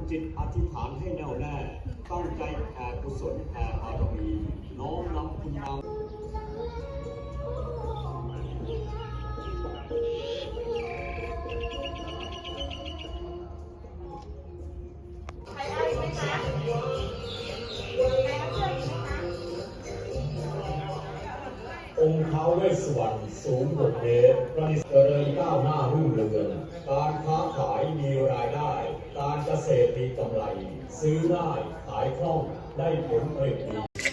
จิตอธิษฐานให้แน่วแน่ตั้งใจแผ่กุศลแผ่บารมีน้อมนำคุณงามองค์ท้าวเวสสุวรรณสูง6 เมตรประดิษฐ์เจริญก้าวหน้ารุ่งเรืองการค้าขายมีรายได้การเกษตรมีกำไรซื้อได้ขายคล่องได้ผลผลิตดี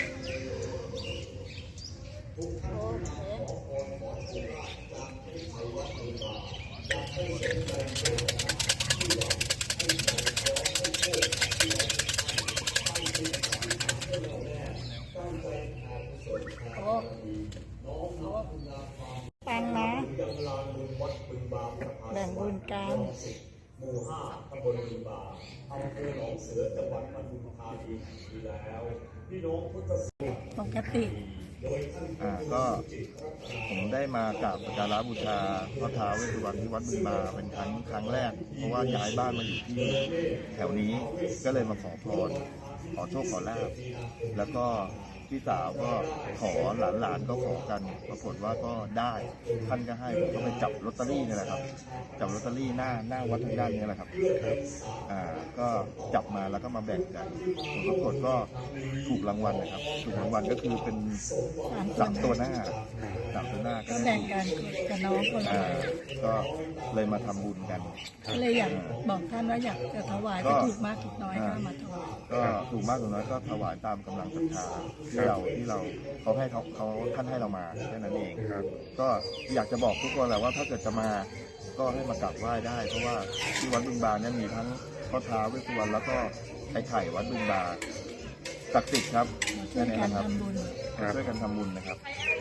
ทุกท่านขอพรขอโชคลาภจากที่ไทยวัดบูชาจากให้สมใจโชคที่หวังให้ขอขอให้โชคที่หวังให้ที่ทำให้เราแน่ตั้งใจแผ่กุศลแผ่บารมีน้อมนำคุณงามความปังนะยังลานบุญวัดบึงบางแบ่งบุญกันหมู่ 5 ตำบลบึงบางอำเภอหนองเสือจังหวัดปทุมธานีอยู่แล้วพี่น้องพุทธศาสนิกปกติก็ผมได้มากราบสักการะบูชาพระท้าวเวสสุวรรณที่วัดบึงบาเป็นครั้งแรกเพราะว่าย้ายบ้านมาอยู่ที่แถวนี้ก็เลยมาขอพรขอโชคขอลาภแล้วก็พี่สาวก็ขอหลานก็ขอกันปรากฏว่าก็ได้ท่านก็ให้ผมก็ไปจับลอตเตอรี่นี่แหละครับจับลอตเตอรี่หน้าวัดทางด้านนี้แหละครับก็จับมาแล้วก็มาแบ่งกันผลปรากฏก็ถูกรางวัลนะครับถูกรางวัลก็คือเป็น3 ตัวหน้าก็แบ่งกันกับน้องคนละก็เลยมาทำบุญกันก็เลยอยากบอกท่านว่าอยากจะถวายจะถูกมากถูกน้อยก็มาถวายก็ถูกมากถูกน้อยก็ถวายตามกำลังศรัทธาที่เราเขาให้เขาท่านให้เรามาแค่นั้นเองก็อยากจะบอกทุกคนแหละว่าถ้าเกิดจะมาก็ให้มากราบไหว้ได้เพราะว่าที่วัดบึงบาเนี่ยมีทั้งพ่อท้าวเวสสุวรรณแล้วก็ไข่วัดบึงบาศักดิ์สิทธิ์ครับช่วยกันทำบุญช่วยกันทำบุญนะครับ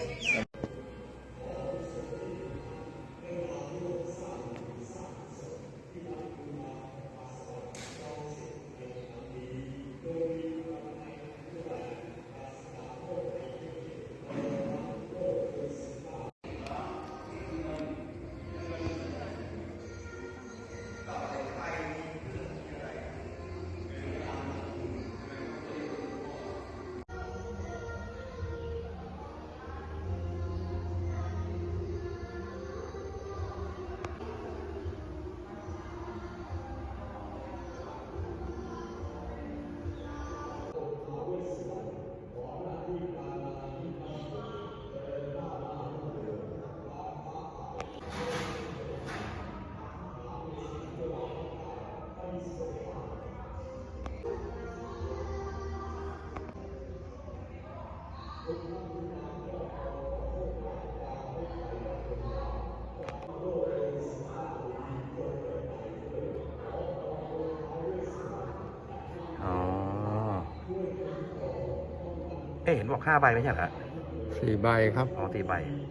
เห็นบอก5 ใบไม่ใช่เหรอ 4 ใบครับอ๋อ4 ใบ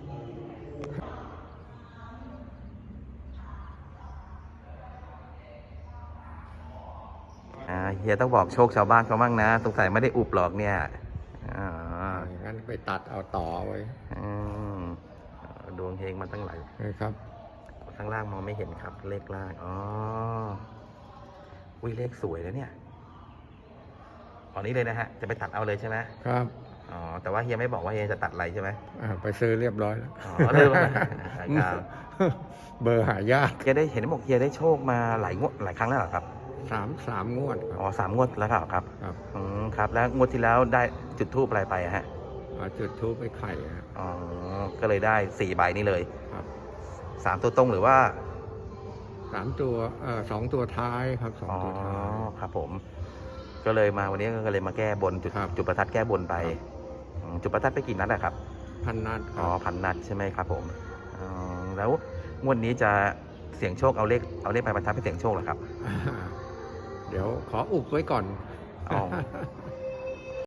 เฮียต้องบอกโชคชาวบ้านเขาบ้างนะสงสัยไม่ได้อุบหรอกเนี่ยงั้นไปตัดเอาต่อไว้ดวงเฮงมาตั้งหลายครับข้างล่างมองไม่เห็นครับเลขล่างอุ้ยเลขสวยแล้วเนี่ยตอนนี้เลยนะฮะจะไปตัดเอาเลยใช่ไหมครับแต่ว่าเฮียไม่บอกว่าเฮียจะตัดอะไรใช่ไหมไปซื้อเรียบร้อยแล้วเริ่มเบอร์หายากเฮียได้เห็นบอกเฮียได้โชคมาหลายครั้งแล้วเหรอครับ 3 งวด 3 งวดแล้วครับครับแล้วงวดที่แล้วได้จุดธูปอะไรไปฮะจุดธูปไปไข่ก็เลยได้4 ใบนี้เลยครับ 3 ตัวตรงหรือว่า 3 ตัว2 ตัวท้ายครับ2 ตัวท้ายครับผมก็เลยมาวันนี้ก็เลยมาแก้บนจุดประทัดแก้บนไปจุดประทัดไปกี่นัดอะครับ 1,000 นัด 1,000 นัดใช่ไหมครับผมแล้วงวดนี้จะเสี่ยงโชคเอาเลขไปประทัดไปเสี่ยงโชคเหรอครับเดี๋ยวขออุบไว้ก่อน